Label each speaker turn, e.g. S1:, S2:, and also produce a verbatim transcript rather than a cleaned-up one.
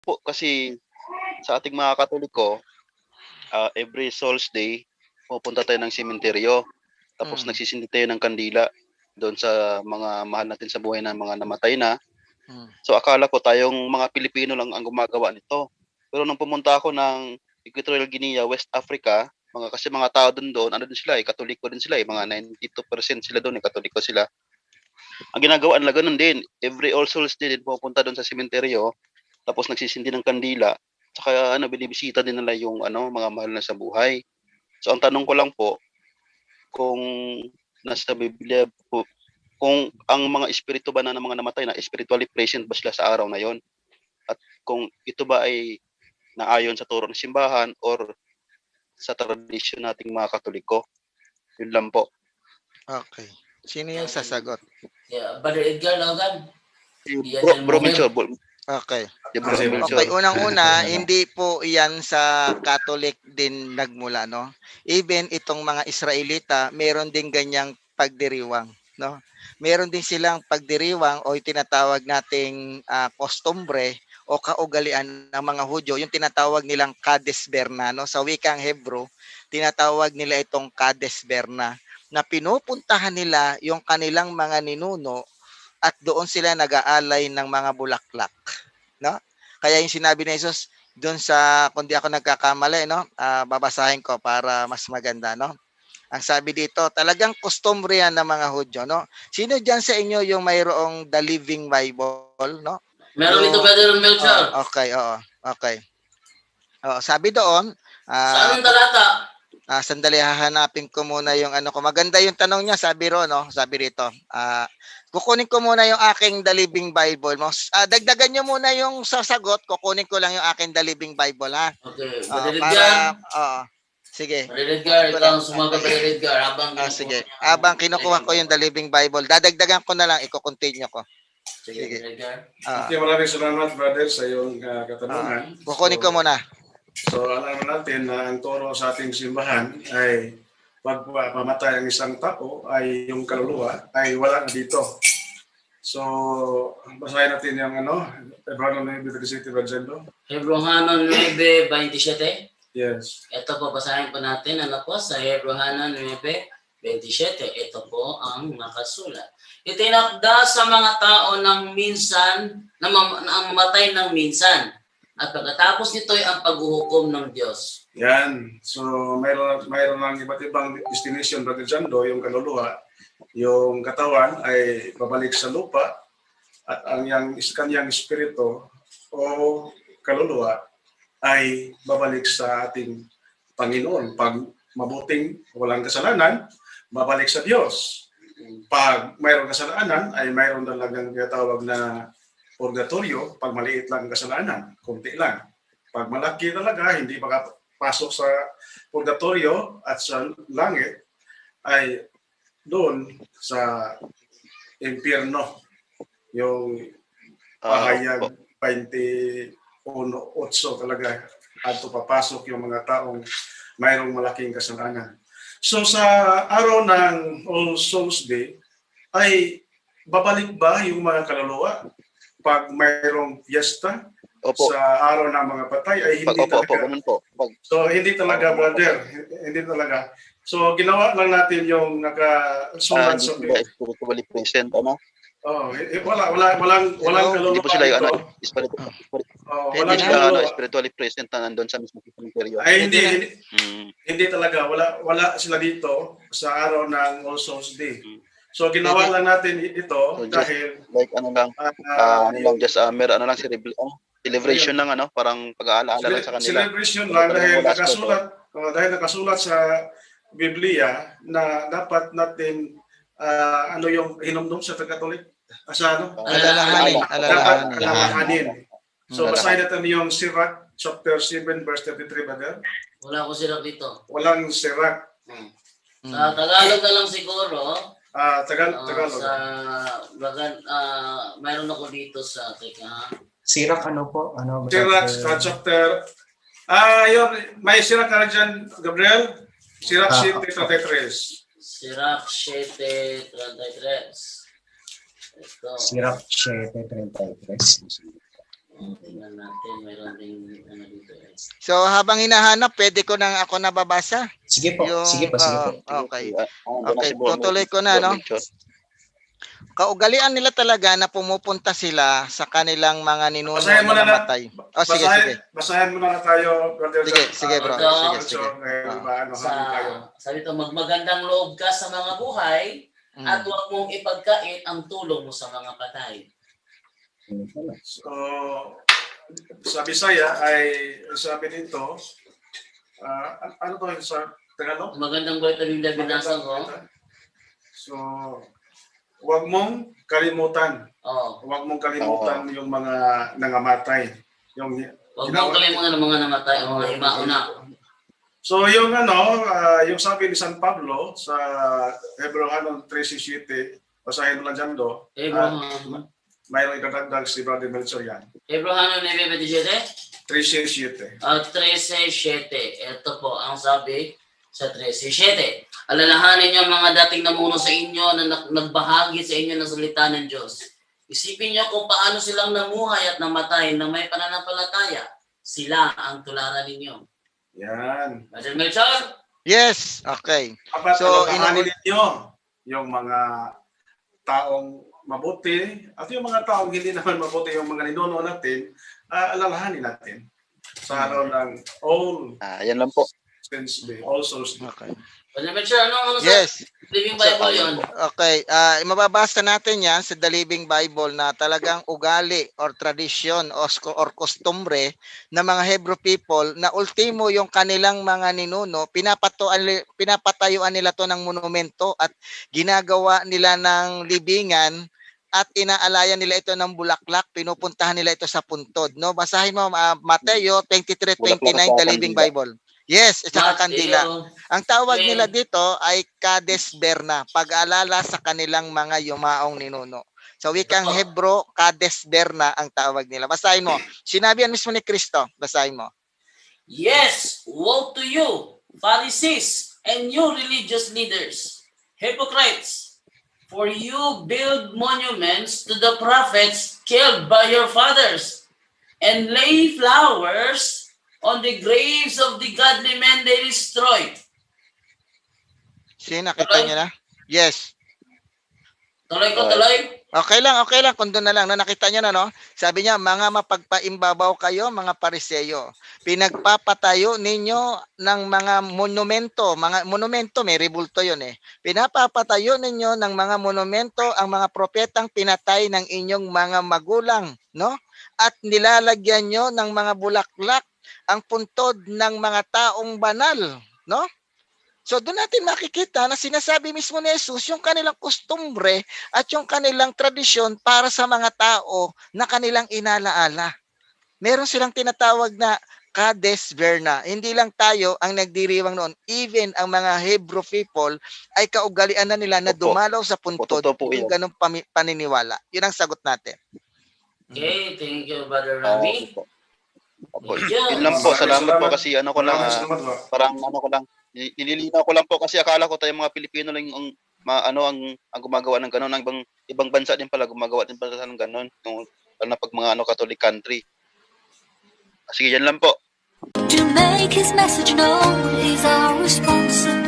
S1: po kasi sa ating mga Katoliko, ah, every Souls Day pumupunta tayo ng sementeryo. Tapos
S2: Hmm.
S1: nagsisindi tayo ng kandila doon sa mga mahal natin sa buhay na mga namatay na.
S2: Hmm.
S1: So akala ko tayong mga Pilipino lang ang gumagawa nito. Pero nung pumunta ako ng Equatorial Guinea, West Africa, mga kasi mga tao doon doon, ano din sila, eh, Katoliko din sila, eh, mga ninety-two percent sila doon, eh, Katoliko sila. Ang ginagawa nila ganun din, every All Souls Day din pupunta doon sa sementeryo, tapos nagsisindi ng kandila, tsaka ano, binibisita din nila yung ano, mga mahal na sa buhay. So ang tanong ko lang po, kung nasa Biblia po, kung ang mga espiritu ba na ng mga namatay na spiritually present ba sila sa araw na yon? At kung ito ba ay naayon sa turo ng simbahan or sa tradisyon nating mga Katoliko? Yun lang po.
S2: Okay. Sino yung sasagot?
S3: Yeah, Brother Edgar Logan. Yan
S1: Bro,
S3: yung
S1: bro
S3: moment.
S1: Melchor, bro,
S2: Okay.
S1: yeah, bro
S4: Kasi-
S1: Melchor.
S2: Okay, unang-una, hindi po iyan sa Catholic din nagmula, no? Even itong mga Israelita, meron din ganyang pagdiriwang, no? Meron din silang pagdiriwang o yung tinatawag nating ah, kostumbre o kaugalian ng mga Hudyo, yung tinatawag nilang Kades Berna, no? Sa wikang Hebrew, tinatawag nila itong Kades Berna na pinupuntahan nila yung kanilang mga ninuno at doon sila nag-aalay ng mga bulaklak, no? Kaya yung sinabi ni Jesus doon sa, kung di ako nagkakamali, no? Ah, babasahin ko para mas maganda, no? Ang sabi dito, talagang customary yan ng mga Hudyo, no? Sino diyan sa inyo yung mayroong The Living Bible, no?
S3: Meron
S2: Yung-
S3: dito Brother Melchor.
S2: Oh, okay, oo. Okay. Oh, sabi doon,
S3: Saan
S2: ah,
S3: ang talata?
S2: Ah, sandali hahanapin ko muna yung ano ko. Maganda yung tanong niya, sabi ro, no? Sabi rito. Ah, kukunin ko muna yung aking The Living Bible. Mo. Ah, dagdagan niyo muna yung sasagot, kukunin ko lang yung aking The Living Bible, ha.
S3: Okay,
S2: Ah,
S3: Brother
S2: para
S3: Edgar.
S2: oo. Sige.
S3: Brother Edgar,
S2: Kukunin ko
S3: ikaw
S2: lang.
S3: ang sumagot Brother Edgar habang
S2: Ah,
S3: kinukuha
S2: sige.
S3: niya ang
S2: Habang kinukuha ko yung The
S3: Bible.
S2: Living Bible, dadagdagan ko na lang, iko-continue ko.
S3: Sige,
S2: Sige.
S3: Brother Edgar.
S2: Ah,
S4: Okay, maraming salamat brother sa iyong uh,
S2: ah,
S4: katanungan.
S2: kukunin ko muna.
S4: So alam natin na ang turo sa ating simbahan ay pag mamatay ang isang tao ay yung kaluluwa ay wala na dito. So basahin natin yung ano, Hebreo nine twenty-seven, Brother.
S3: Hebrehanon nine twenty-seven.
S4: Yes.
S3: Ito po, basahin po natin. Ano po, sa Hebrehanon nine twenty-seven. Ito po ang nakasulat. Itinakda sa mga tao ng minsan, na, mam- na ang mamatay ng minsan. At pagkatapos nito ay ang paghuhukom ng Diyos.
S4: Yan. So mayroon mayroon ng iba't ibang destination, Brother Jando, yung kaluluwa, yung katawan ay babalik sa lupa at ang yang kanyang espiritu o kaluluwa ay babalik sa ating Panginoon. Pag mabuting walang kasalanan, babalik sa Diyos. Pag mayroong kasalanan, ay mayroon talagang tinatawag na purgatorio. Pag maliit lang ang kasalanan, kunti lang. Pag malaki talaga, hindi makapasok sa purgatorio at sa langit, ay doon sa impyerno. Yung
S1: Ah,
S4: pahayag
S1: opo.
S4: twenty-one talaga ato papasok yung mga taong mayroong malaking kasalanan. So sa araw ng All Souls Day ay babalik ba yung mga kaluluwa pag mayroong fiesta
S1: Opo.
S4: sa araw ng mga patay ay
S1: Pag
S4: hindi
S1: opo, opo,
S4: talaga.
S1: ganun po. Pag
S4: So hindi talaga, brother, hindi talaga. So ginawa lang natin yung
S1: ah,
S4: nakasulat
S1: hindi
S4: sa
S1: sila spiritually present, ano?
S4: Oh, eh, wala wala walang walang
S2: Hello?
S1: Hindi po
S4: kaluluwa
S1: sila yung ano,
S4: dito.
S1: spiritu,
S4: Oh,
S2: Pwede
S4: walang
S1: hindi
S2: na?
S1: sila ano,
S4: kaluluwa.
S1: spiritually present na nandun sa mismo cemetery.
S4: Ay hindi,
S2: Pwede na.
S4: hindi
S1: Mm.
S4: hindi talaga wala wala sila dito sa araw ng All Souls Day.
S1: Mm.
S4: So ginawa
S2: Pwede.
S4: lang natin ito
S1: So just
S4: dahil
S1: like ano lang,
S4: uh,
S1: ah, ano lang,
S4: yung
S1: just uh, mer ano lang, celebra- ano, celebration lang, ano, parang pag-aalaala lang sa kanila.
S4: celebration
S1: Pero
S4: lang
S1: talagang
S4: dahil
S1: wala sila doon.
S4: nakasulat uh, dahil nakasulat sa Biblia na dapat natin uh, ano yung hinumdum sa Katolik sa ano?
S1: Ah,
S2: Alalahanin,
S1: alaala.
S4: Dapat
S2: alalahanin.
S4: alalahanin. So
S2: Hmm.
S4: basahin natin yung Sirach chapter seven verse thirty-three, brother.
S3: Wala ko sila dito.
S4: Walang Sirach.
S3: Hmm.
S2: Hmm.
S3: Sa Tagalog na lang siguro.
S4: Ah, Tagal
S3: ah,
S4: Tagalog.
S3: sa bagan, ah, mayroon ako dito sa, teka ha.
S5: Sirach ano po? Ano?
S4: Sirach uh, chapter Ah, yun, may Sirach ka na dyan, Gabriel? Sirach
S5: Ah,
S4: seven thirty-three.
S3: Sirach seven thirty-three. Ito.
S5: Sirach seven thirty-three.
S3: Oh, tingnan natin, mayroon ding ano dito eh.
S2: So habang hinahanap, pwede ko nang ako nababasa.
S5: Sige po,
S2: Yung,
S5: sige po, sige po.
S2: oo, okay.
S1: Ah, ah, doon na
S2: Okay,
S1: si Bro-
S2: tutuloy ko na,
S1: Bro
S2: no?
S1: Melchor.
S2: Kaugalian nila talaga na pumupunta sila sa kanilang mga ninuno
S4: Basahin mo
S2: na
S4: na na-
S2: namatay. Oh, sige,
S4: basahin,
S2: sige.
S4: basahin mo na tayo, Brother
S2: Sige,
S4: John.
S2: sige, bro.
S4: Ah,
S3: Sige,
S4: Melchor,
S2: sige.
S4: eh,
S2: Ah.
S4: maano,
S3: Sa,
S4: hamin tayo.
S3: sabi ito, magmagandang loob ka sa mga buhay
S2: Mm.
S3: at huwag mong ipagkait ang tulong mo sa mga patay.
S4: So, sa Bisaya ay sabi dito, ah, an- ano to yung sa Tagalog?
S3: Magandang balita ng binasa ko.
S4: So, huwag mong kalimutan.
S3: Oh,
S4: Huwag mong kalimutan yung mga nangamatay. Yung
S3: huwag mong kalimutan ng mga namatay o mga himauna.
S4: So yung ano, ah, yung sabi ni San Pablo sa Hebrew three sixty, basahin mo lang dyan do.
S3: Abraham.
S4: Mayroong idadagdag si Brother Melchor yan.
S3: Abraham nueve veintisiete
S4: three sixty.
S3: at thirteen siete. Ito po ang sabi sa thirteen siete. Alalahanin niyo ang mga dating namuno sa inyo na nag- nagbahagi sa inyo ng salita ng Diyos. Isipin niyo kung paano silang namuhay at namatay na may pananampalataya. Sila ang tularan ninyo.
S4: Yan.
S3: Brother Melchor?
S2: Yes, okay.
S4: Dapat
S2: So,
S4: so,
S2: inu-
S4: ninyo yung mga taong mabuti at yung mga taong hindi naman mabuti, yung mga ninuno natin, uh, alalahanin natin sa araw ng All
S1: Ah, yan lang po.
S4: Saints Day, All Souls Day.
S2: Okay.
S3: Brother Melchor, ano ano sa
S2: Yes.
S3: Living Bible
S1: So,
S3: yun?
S2: Okay, ah mababasa natin 'yan sa The Living Bible na talagang ugali or tradisyon o sk- or kostumbre ng mga Hebrew people na ultimo yung kanilang mga ninuno, pinapatuan li- pinapatayuan nila to ng monumento at ginagawa nila ng libingan at inaalayan nila ito ng bulaklak, pinupuntahan nila ito sa puntod, no? Basahin mo uh, Mateo twenty-three twenty-nine, The Living Bible. Yes, at saka kandila.
S3: Mateo.
S2: Ang tawag
S3: Okay.
S2: nila dito ay Kades Berna, pag-alala sa kanilang mga yumaong ninuno. Sa wikang Hebro, Kades Berna ang tawag nila. Basahin mo. Sinabi yan mismo ni Kristo. Basahin mo.
S3: Yes, woe to you, Pharisees, and you religious leaders, hypocrites, for you build monuments to the prophets killed by your fathers, and lay flowers on the graves of the godly men they destroyed.
S2: Sino, nakita niyo na? Yes.
S3: Tuloy ko, tuloy.
S2: Okay lang, okay lang. Kung doon na lang. No, nakita niyo na, no? Sabi niya, mga mapagpaimbabaw kayo, mga pariseyo. Pinagpapatayo ninyo ng mga monumento. Mga monumento, may rebulto yun eh. Pinapapatayo ninyo ng mga monumento ang mga propetang pinatay ng inyong mga magulang, no? At nilalagyan nyo ng mga bulaklak ang puntod ng mga taong banal, no? So doon natin makikita na sinasabi mismo ni Jesus yung kanilang kostumbre at yung kanilang tradisyon para sa mga tao na kanilang inalaala. Meron silang tinatawag na Kades Berna. Hindi lang tayo ang nagdiriwang noon. Even ang mga Hebrew people ay kaugalian na nila na
S1: Opo.
S2: dumalaw sa puntod
S1: Totoo po
S2: yung
S1: yan.
S2: ganong pami- paniniwala. Yun ang sagot natin.
S3: Okay, thank you, Brother
S1: Ah,
S3: Rami.
S1: opo. Opo.
S3: Thank you.
S1: Yun lang po. Salamat po kasi ano ko lang,
S4: Maraming
S1: ah,
S4: salamat po.
S1: parang ano ko lang, ni- nililinaw ko lang po kasi akala ko tayo mga Pilipino lang yung ma, ano ang, ang gumagawa ng gano'n. Ang ibang, ibang bansa din pala gumagawa din pala ng gano'n. Yung, lalo na pag mga ano, Catholic country. Sige, yan lang po.
S6: To make his message known is our responsibility.